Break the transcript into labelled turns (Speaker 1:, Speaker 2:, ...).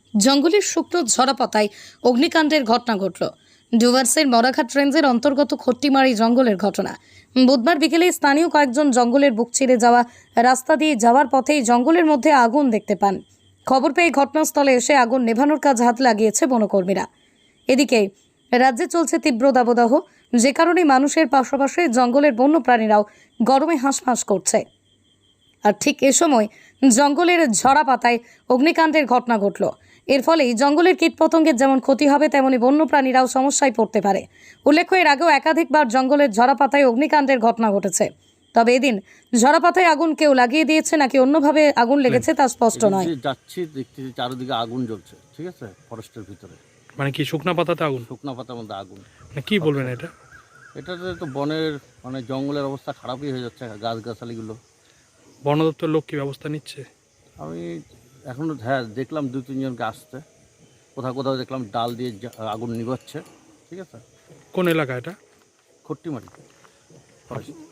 Speaker 1: জঙ্গলের শুকনো ঝরা পাতায় অগ্নিকাণ্ডের ঘটনা ঘটল। ডুভার্সের মরাঘাট রেঞ্জের অন্তর্গত খট্টিমারি জঙ্গলের ঘটনা। বুধবার বিকেলে স্থানীয় কয়েকজন জঙ্গলের বুক চিরে যাওয়া রাস্তা দিয়ে যাওয়ার পথেই জঙ্গলের মধ্যে আগুন দেখতে পান। খবর পেয়ে ঘটনাস্থলে এসে আগুন নেভানোর কাজ হাত লাগিয়েছে বনকর্মীরা। এদিকে রাজ্যে চলছে তীব্র দাবদাহ, যে কারণে মানুষের পাশাপাশি জঙ্গলের বন্য প্রাণীরাও গরমে হাঁসফাঁস করছে। আর ঠিক এ সময় জঙ্গলের ঝরা পাতায় অগ্নিকাণ্ডের ঘটনা ঘটল। এর ফলে জঙ্গলের কীটপতঙ্গের যেমন ক্ষতি হবে, তেমনি বন্যপ্রাণীরাও সমস্যায় পড়তে পারে। উল্লেখ্য, এর আগেও একাধিকবার জঙ্গলের ঝরা পাতায় অগ্নিকাণ্ডের ঘটনা ঘটেছে। তবে এদিন ঝরা পাতায় আগুন কেউ লাগিয়ে দিয়েছে নাকি অন্যভাবে আগুন লেগেছে তা স্পষ্ট নয়।
Speaker 2: যাচ্ছি দেখতে চারিদিকে আগুন জ্বলছে, ঠিক আছে, ফরেস্টের ভিতরে।
Speaker 3: মানে কি শুকনা পাতাতে আগুন?
Speaker 2: শুকনা পাতার মধ্যে আগুন।
Speaker 3: মানে কি বলবেন এটা?
Speaker 2: এটাতে তো বনের জঙ্গলের অবস্থা খারাপই হয়ে যাচ্ছে, গাছগাছালিগুলো।
Speaker 3: বন দপ্তরের লোক কি ব্যবস্থা নিচ্ছে?
Speaker 2: আমি এখনও দেখলাম 2-3 জনকে আসতে, কোথাও কোথাও দেখলাম ডাল দিয়ে আগুন নিভাচ্ছে, ঠিক আছে।
Speaker 3: কোন এলাকা এটা?
Speaker 2: খট্টিমারি ফরেস্ট।